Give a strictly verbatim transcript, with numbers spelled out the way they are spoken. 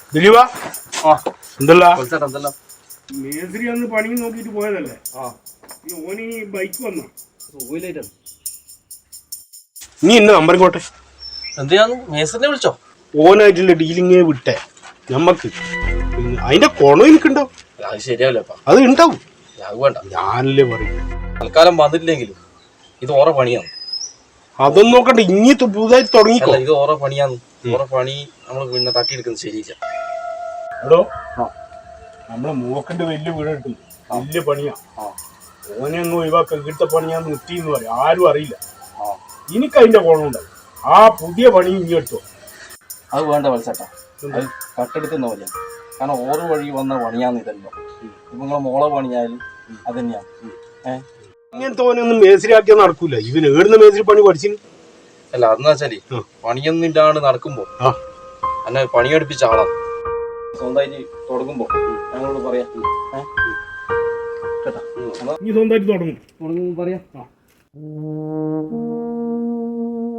ദിലീപ എന്തല്ല മേസ്ത്രി അന്ന് പണി നോക്കിട്ട് പോയതല്ലേ ഓന് ഈ ബൈക്ക് വന്ന നീ എന്നെ നമ്പർ കോട്ടെ എന്തിനാന്ന് മേസ്ത്രിനെ വിളിച്ചോ? ഓനായിട്ടുള്ള ഡീലിങ്ങേ വിട്ടെ ഞമ്മക്ക് അതിന്റെ കുണം എനിക്കുണ്ടാവും. അത് ശരിയാവില്ല അത് ഉണ്ടാവും. അത് വേണ്ട, ഞാനല്ലേ പറയും. തൽക്കാലം വന്നിട്ടില്ലെങ്കിലും ഇത് ഓരോ പണിയാണ്. അതൊന്നും നോക്കണ്ട, ഇനി പുതുതായി തുടങ്ങിക്കോ. ഇത് ഓരോ പണിയാന്ന്. ഓരോ പണി നമ്മൾ പിന്നെ തട്ടിയെടുക്കുന്നത് ശരിയില്ല. എടോ നമ്മളെ മൂക്കന്റെ വലിയ വീട് കിട്ടുന്നു, വലിയ പണിയാ. ഓനെ അങ്ങ് ഒഴിവാക്ക, ഇവിടുത്തെ പണിയാന്ന് നിർത്തിന്ന് പറയും, ആരും അറിയില്ല. എനിക്ക് അതിന്റെ കുണമുണ്ടാവും. ആ പുതിയ പണി ഇനി എടുത്തോ. അത് വേണ്ട മത്സട്ടാ, അത് കട്ടെടുക്കുന്ന പോലെ. കാരണം ഓരോ വഴി വന്ന പണിയാന്ന് ഇതല്ലോ. ഇപ്പൊ നിങ്ങളെ മോളെ പണിയായാലും അത് തന്നെയാണ്. ഏഹ് ഇങ്ങനത്തെ ഓനൊന്നും മേസ്ത്രിയാക്കിയാ നടക്കൂല. ഇവന് ഏടുന്ന മേസ്ത്രി പണി പഠിച്ചിന് അല്ല. അതെന്ന് വെച്ചാല് പണിയൊന്നും ഇല്ലാണ്ട് നടക്കുമ്പോ എന്നെ പണിയെടുപ്പിച്ച ആളാണ്. സ്വന്തമായിട്ട് തുടങ്ങുമ്പോ ഞങ്ങളോട് പറയാം. കേട്ടാ, നീ സ്വന്തമായിട്ട് തുടങ്ങും തുടങ്ങുമ്പോ പറയാം.